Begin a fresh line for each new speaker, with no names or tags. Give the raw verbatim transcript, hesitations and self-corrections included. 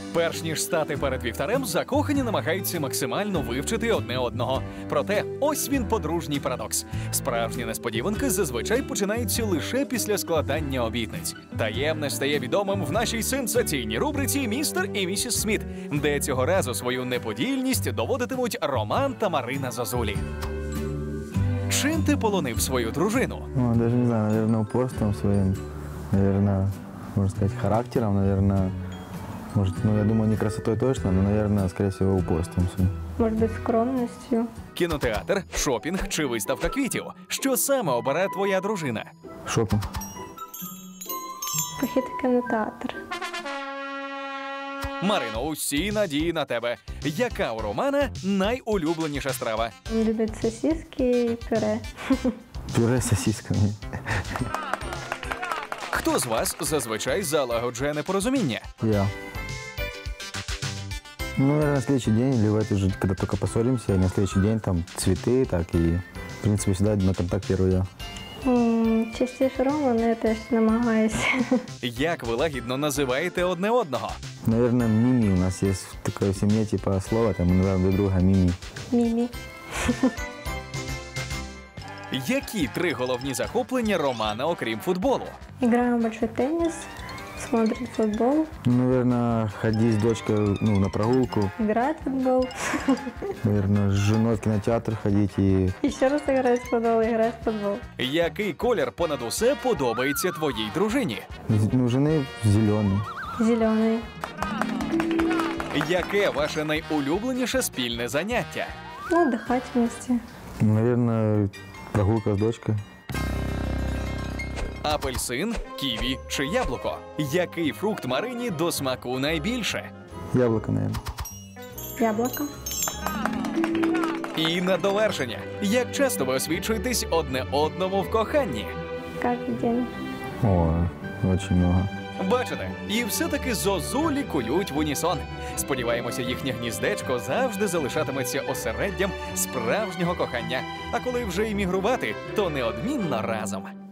Перш ніж стати перед вівтарем, закохані намагаються максимально вивчити одне одного. Проте ось він подружній парадокс. Справжні несподіванки зазвичай починаються лише після складання обітниць. Таємне стає відомим в нашій сенсаційній рубриці «Містер і місіс Сміт», де цього разу свою неподільність доводитимуть Роман та Марина Зозулі. Чим ти полонив свою дружину?
Ну, даже не знаю, наверное, упорством своим, наверное, можно сказать, характером, наверное, может, ну, я думаю, не красотой точно, но, наверное, скорее всего, упорством своим.
Может быть, скромностью.
Кінотеатр, шопінг чи виставка квітів? Що саме обере твоя дружина?
Шопинг.
Похід в кінотеатр.
Марино, усі надії на тебе. Яка у Романа найулюбленіша страва?
Він любить сосиски і пюре.
Пюре с сосисками.
Хто з вас зазвичай залагоджує непорозуміння?
Я. Ну, наверное, на следующий день, или в эту же, когда только поссоримся, и на следующий день там цветы, так и, в принципе, всегда на контакт первый я.
М, Частіше Рома, але я теж намагаюся.
Як ви лагідно називаєте одне одного?
Наверное, Мими. У нас есть такое в семье, типа, слово, там, мы называем друг друга Мими.
Мімі.
Які три головні захоплення Романа, окрім футболу?
Играем в большой теннис, смотрим футбол,
Ну, наверное, ходить с дочкой, ну, на прогулку,
играть в футбол.
наверное, с женой в кинотеатр ходить и...
Еще раз играть в футбол, играть в футбол.
Який колір понад усе подобається твоїй дружині?
Ну, у жены зеленый.
Зеленый.
Яке ваше найулюбленіше спільне заняття?
Ну, отдыхать вместе.
Наверное, прогулка с дочкой.
Апельсин, ківі чи яблуко? Який фрукт Марині до смаку найбільше?
Яблоко, наверное.
Яблоко.
І на довершення. Як часто ви освічуєтесь одне одному в коханні?
Каждый день.
О, очень много.
Бачите, і все-таки зозулі кують в унісон. Сподіваємося, їхнє гніздечко завжди залишатиметься осереддям справжнього кохання. А коли вже іммігрувати, то неодмінно разом.